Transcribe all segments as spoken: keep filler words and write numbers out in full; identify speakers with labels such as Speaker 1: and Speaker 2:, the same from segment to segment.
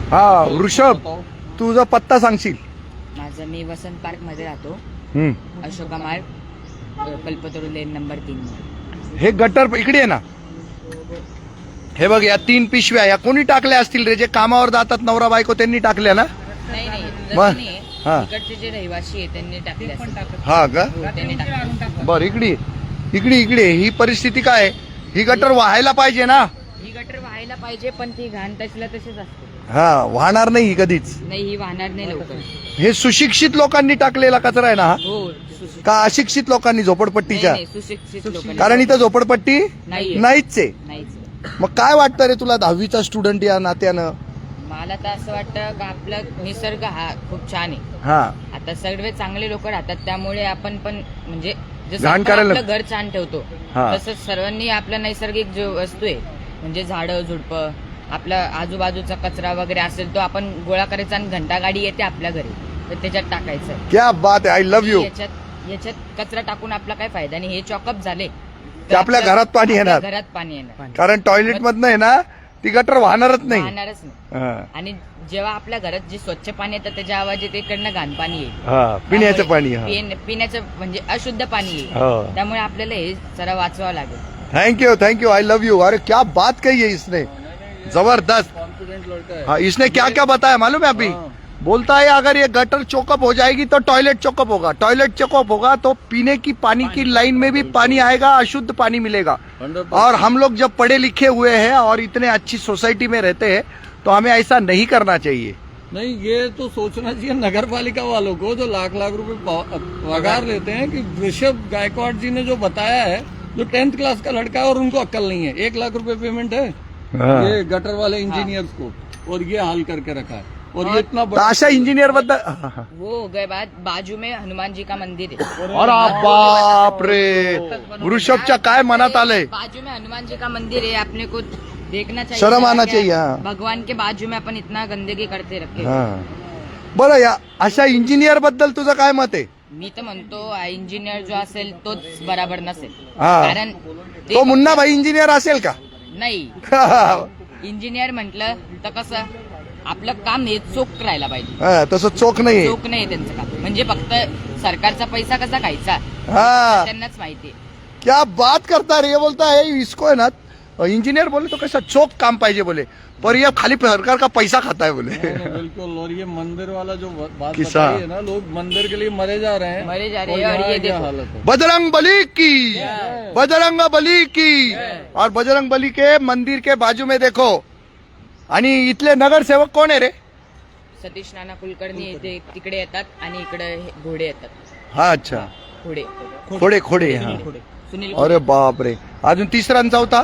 Speaker 1: हा वृषभ, तुझा पत्ता सांगशील?
Speaker 2: माझं मी वसंत पार्क मध्ये राहतो,
Speaker 1: हम्म.
Speaker 2: अशोका मार्ग, कल्पतरू लेन नंबर तीन.
Speaker 1: हे गटर इकडे आहे ना. हे बघ, या तीन पिशव्या या कोणी टाकल्या असतील रे? जे कामावर जातात नवरा बायको त्यांनी टाकल्या ना?
Speaker 2: नाही नाही
Speaker 1: मग?
Speaker 2: तसं नाही.
Speaker 1: हा.
Speaker 2: इकडचे जे रहिवासी आहे त्यांनी टाकले असेल.
Speaker 1: हा का?
Speaker 2: हो, त्यांनी टाकले.
Speaker 1: बर, इकडे इकडे इकडे ही परिस्थिती काय आहे? ही गटर वाहायला पाहिजे ना?
Speaker 2: ही गटर व्हायला पाहिजे, पण ती घाण तसला तसेच असते.
Speaker 1: हा, वाहणार नाही ही कधीच.
Speaker 2: नाही, ही वाहणार नाही लवकर.
Speaker 1: हे सुशिक्षित लोकांनी टाकलेला कचरा आहे ना हा?
Speaker 2: हो, सुशिक्षित.
Speaker 1: का अशिक्षित लोकांनी, झोपडपट्टीच्या?
Speaker 2: नाही, नाही, सुशिक्षित लोकांनी.
Speaker 1: कारण इथं झोपडपट्टी
Speaker 2: नाहीये.
Speaker 1: नाहीच आहे.
Speaker 2: नाहीच.
Speaker 1: मग काय वाटतं रे तुला, दहावीचा स्टुडंट या नात्यानं?
Speaker 2: मला तर असं वाटतं का आपला निसर्ग हा खूप छान आहे.
Speaker 1: हा,
Speaker 2: आता सर्व चांगले लोक राहतात, त्यामुळे आपण पण म्हणजे जसं
Speaker 1: घाण
Speaker 2: आपण
Speaker 1: करायला-
Speaker 2: आपलं घर छान ठेवतो,
Speaker 1: हा.
Speaker 2: तसंच सर्वांनी आपला नैसर्गिक जो वस्तू आहे म्हणजे झाडं झुडपं, आपला आजूबाजूचा कचरा वगैरे असेल तो आपण गोळा करायचा, आणि घंटा गाडी येते आपल्या घरी तर त्याच्यात टाकायचं.
Speaker 1: क्या बात आहे, आय लव्ह यू.
Speaker 2: याच्यात याच्यात कचरा टाकून आपला काय फायदा नाही. हे चॉकअप झाले
Speaker 1: ते आपल्या घरात पाणी येणार.
Speaker 2: घरात पाणी येणार,
Speaker 1: कारण टॉयलेट मधनं आहे ना, ती गटर वाहणारच नाही.
Speaker 2: वाहणारच नाही.
Speaker 1: हा.
Speaker 2: आणि जेव्हा आपल्या घरात जे स्वच्छ पाणी येतं त्याच्या आवाज इकडनं घाण पाणी येईल.
Speaker 1: हा, पिण्याचं पाणी. हा.
Speaker 2: पिण- पिण्याचं म्हणजे अशुद्ध पाणी येईल.
Speaker 1: हा.
Speaker 2: त्यामुळे आपल्याला हे जरा वाचवावं लागेल.
Speaker 1: Thank you, thank you, I love you. अरे क्या बात कही है इसने, जबरदस्त.
Speaker 3: कॉन्फिडेंट लड़का है।
Speaker 1: हाँ, इसने क्या क्या बताया मालूम है अभी?
Speaker 3: हाँ।
Speaker 1: बोलता है अगर ये गटर चोकअप हो जाएगी तो टॉयलेट चोकअप होगा, टॉयलेट चोकअप होगा तो पीने की पानी की लाइन में भी पानी आएगा, अशुद्ध पानी मिलेगा.
Speaker 3: हंड्रेड
Speaker 1: और हम लोग जब पढ़े लिखे हुए हैं और इतने अच्छी सोसाइटी में रहते हैं तो हमें ऐसा नहीं करना चाहिए.
Speaker 3: नहीं, ये तो सोचना चाहिए नगर पालिका वालों को जो लाख लाख रुपए पा- पगार लेते हैं कि ऋषभ गायकवाड़ जी ने जो बताया है, जो टेंथ क्लास का लड़का है और उनको अक्ल नहीं है, एक लाख रुपए पेमेंट है ये गटर वाले इंजीनियर्स को, और ये हाल करके रखा है. और ये इतना
Speaker 1: तर
Speaker 3: बड़ा
Speaker 1: अशा इंजिनियर बद्दल
Speaker 2: वो हो गए बात. बाजू में हनुमान जी का मंदिर है.
Speaker 1: अरे बाप रे, वृषभच्या काय मनात आलंय?
Speaker 2: बाजू में हनुमान जी का मंदिर है, अपने को देखना चाहिए.
Speaker 1: शर्म आना
Speaker 2: क्या
Speaker 1: चाहिए, हाँ.
Speaker 2: भगवान के बाजू में अपन इतना गंदगी करते रखे.
Speaker 1: हा. बरं, या अशा इंजिनियर बद्दल तुझं काय मत आहे?
Speaker 2: मी तर म्हणतो इंजिनियर जो असेल तोच बराबर नसेल.
Speaker 1: हा.
Speaker 2: कारण ते
Speaker 1: तो मुन्ना भाई इंजिनियर असेल का?
Speaker 2: नाही, इंजिनियर म्हटलं तर कसं आपलं काम हे चोख राहायला पाहिजे.
Speaker 1: हा, तसं चोख नाहीये.
Speaker 2: चोख नाही त्यांचं काम. म्हणजे फक्त सरकारचा पैसा कसा खायचा
Speaker 1: हा,
Speaker 2: त्यांनाच माहिती.
Speaker 1: क्या बात करता रे. ये बोलता है इसको है ना, इंजीनियर बोले तो कैसा चोख काम पाहिजे बोले, पर ये खाली सरकार का पैसा खाता है बोले.
Speaker 3: बिल्कुल. और ये मंदिर वाला जो बात
Speaker 1: किस्सा.
Speaker 3: बताई है ना, लोग मंदिर के लिए मरे जा रहे हैं,
Speaker 2: मरे जा रहे
Speaker 3: और
Speaker 2: हैं. और
Speaker 3: यहाँ
Speaker 2: ये
Speaker 3: क्या
Speaker 2: देखो,
Speaker 3: हालत है.
Speaker 1: बजरंग बली की, बजरंग बली की. और बजरंग बली के मंदिर के बाजू में देखो. आणि इथले नगरसेवक कोण आहे रे?
Speaker 2: सतीश नाना कुलकर्णी इथे तिकडे येतात आणि इकडे हे घोडे येतात.
Speaker 1: हा, अच्छा,
Speaker 2: घोडे
Speaker 1: खोडे खोडे. हा.
Speaker 2: सुनील
Speaker 1: अरे बाप रे. अजून तिसरा आणि चौथा?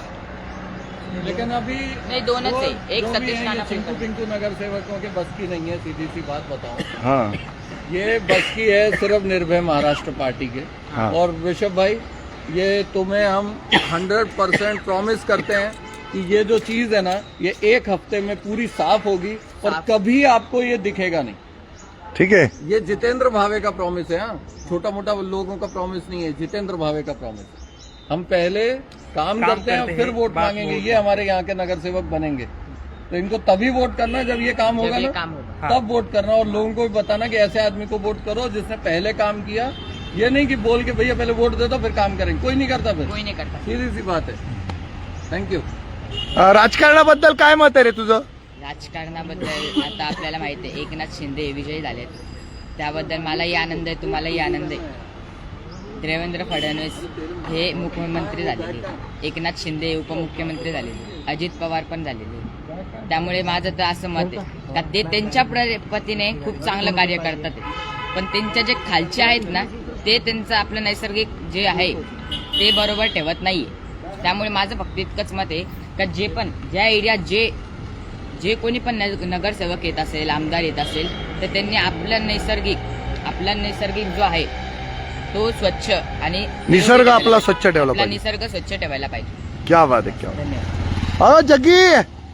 Speaker 3: लेकिन अभी
Speaker 2: नहीं, दोनों
Speaker 3: वो
Speaker 2: से एक
Speaker 3: जो भी
Speaker 2: सतीश
Speaker 3: हैं,
Speaker 2: नाना
Speaker 3: ये चिंटू
Speaker 2: कुलकर्णी.
Speaker 3: पिंटू नगर सेवकों के बस की नहीं है. सीधी सी बात बताऊं,
Speaker 1: हा.
Speaker 3: ये बस की है सिर्फ निर्भय महाराष्ट्र पार्टी के.
Speaker 1: हाँ.
Speaker 3: और ऋषभ भाई, ये तुम्हें हम हंड्रेड परसेंट प्रॉमिस करते हैं कि ये जो चीज है ना, ये एक हफ्ते में पूरी साफ होगी और
Speaker 2: साफ.
Speaker 3: कभी आपको ये दिखेगा नहीं.
Speaker 1: ठीक है.
Speaker 3: ये जितेंद्र भावे का प्रॉमिस है. हाँ, छोटा मोटा लोगों का प्रॉमिस नहीं है, जितेंद्र भावे का प्रॉमिस. हम पहले काम, काम करते हैं, फिर वोट मांगेंगे. ये हमारे यहाँ के नगर सेवक बनेंगे, तो इनको तभी वोट करना जब ये काम
Speaker 2: जब
Speaker 3: होगा
Speaker 2: ये
Speaker 3: ना,
Speaker 2: काम होगा.
Speaker 3: तब वोट करना. और लोगों को भी बताना कि ऐसे आदमी को वोट करो जिसने पहले काम किया. ये नहीं कि बोल के भैया पहले वोट दे दो फिर काम करेंगे. कोई नहीं करता फिर.
Speaker 2: कोई नाही करता.
Speaker 3: सीधी सी बात है. Thank you.
Speaker 1: अ, राजकारणाबद्दल काय मत आहे रे तुझं?
Speaker 2: राजकारणाबद्दल आता आपल्याला माहिती आहे एकनाथ शिंदे हे विजयी झालेत, त्याबद्दल मलाही आनंद आहे, तुम्हालाही आनंद आहे. देवेंद्र फडणवीस हे मुख्यमंत्री झालेले, एकनाथ शिंदे उपमुख्यमंत्री झालेले, अजित पवार पण झालेले. त्यामुळे माझं तर असं मत आहे का ते त्यांच्या पद्धतीने खूप चांगलं कार्य करतात आहे. पण त्यांच्या जे खालचे आहेत ना, ते त्यांचं आपलं नैसर्गिक जे आहे ते बरोबर ठेवत नाहीये. त्यामुळे माझं फक्त इतकंच मत आहे का जे पण ज्या एरियात जे जे कोणी पण नगरसेवक येत असेल, आमदार येत असेल, तर त्यांनी आपला नैसर्गिक आपला नैसर्गिक जो आहे तो स्वच्छ आणि
Speaker 1: निसर्ग आपला स्वच्छ ठेवला
Speaker 2: आपला
Speaker 1: पाहिजे.
Speaker 2: निसर्ग स्वच्छ ठेवायला पाहिजे.
Speaker 1: क्या बात है, क्या बात.
Speaker 2: धन्यवाद.
Speaker 1: अहो जग्गी,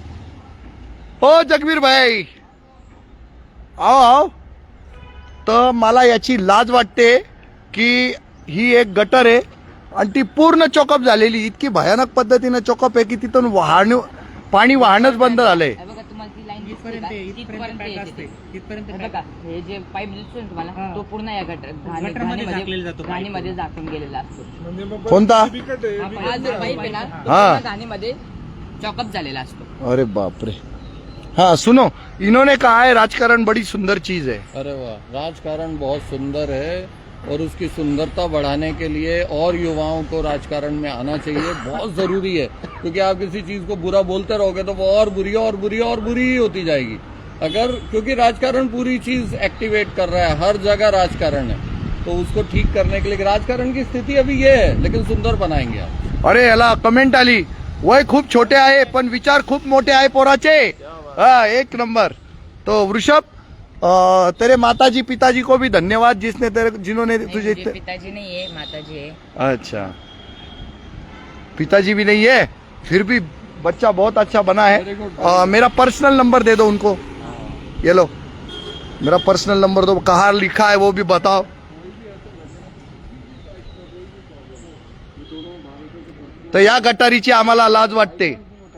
Speaker 1: ओ जगवीर भाई, आओ आओ. तर मला याची लाज वाटते की ही एक गटर आहे आणि ती पूर्ण चोकअप झालेली, इतकी भयानक पद्धतीने चोकअप आहे की तिथून वाहण पाणी वाहणंच बंद झालंय.
Speaker 2: हे बघा, तुम्हाला ती लाईन दिसते का? तिथपर्यंत येते ते.
Speaker 4: इथपर्यंत
Speaker 2: हे बघा हे जे पाईप दिसतो ना तुम्हाला
Speaker 4: हा.
Speaker 2: तो पूर्ण या गटर घाणी-
Speaker 4: गटरमध्ये झाकलेला
Speaker 2: घाणीमध्ये
Speaker 4: जातो pipe.
Speaker 2: घाणीमध्ये झाकून गेलेला असतो.
Speaker 1: कोणता
Speaker 2: हा जो पाईप आहे ना तो
Speaker 1: हा.
Speaker 2: पूर्ण घाणीमध्ये चॉकअप झालेला असतो.
Speaker 1: अरे बाप रे. हाँ सुनो, इन्होंने कहा है राजकारण बड़ी सुंदर चीज है.
Speaker 3: अरे वाह, राजकारण बहुत सुंदर है और उसकी सुंदरता बढ़ाने के लिए और युवाओं को राजकारण में आना चाहिए, बहुत जरूरी है. क्योंकि आप किसी चीज को बुरा बोलते रहोगे तो वो और बुरी और बुरी और बुरी ही होती जाएगी. अगर क्योंकि राजकारण पूरी चीज एक्टिवेट कर रहा है, हर जगह राजकारण है, तो उसको ठीक करने के लिए राजकारण की स्थिति अभी ये है, लेकिन सुंदर बनाएंगे आप.
Speaker 1: अरे याला कमेंट आली, वय खूप छोटे आहे पण विचार खूप मोठे आहे पोराचे. हा एक नंबर. तो वृषभ अ, तेरे माताजी पिताजी को भी धन्यवाद जिसने तेरे जिन्होंने
Speaker 2: नहीं,
Speaker 1: तुझे
Speaker 2: मुझे
Speaker 1: इतने-
Speaker 2: पिताजी नहीं है माताजी है.
Speaker 1: अच्छा पिताजी भी नहीं है फिर भी बच्चा बहुत अच्छा बना है.
Speaker 3: Very good.
Speaker 1: अ, मेरा पर्सनल नंबर दे दो उनको. ये लो मेरा पर्सनल नंबर दो. कहाँ लिखा है वो भी बताओ. तर या गटारीची आम्हाला लाज वाटते.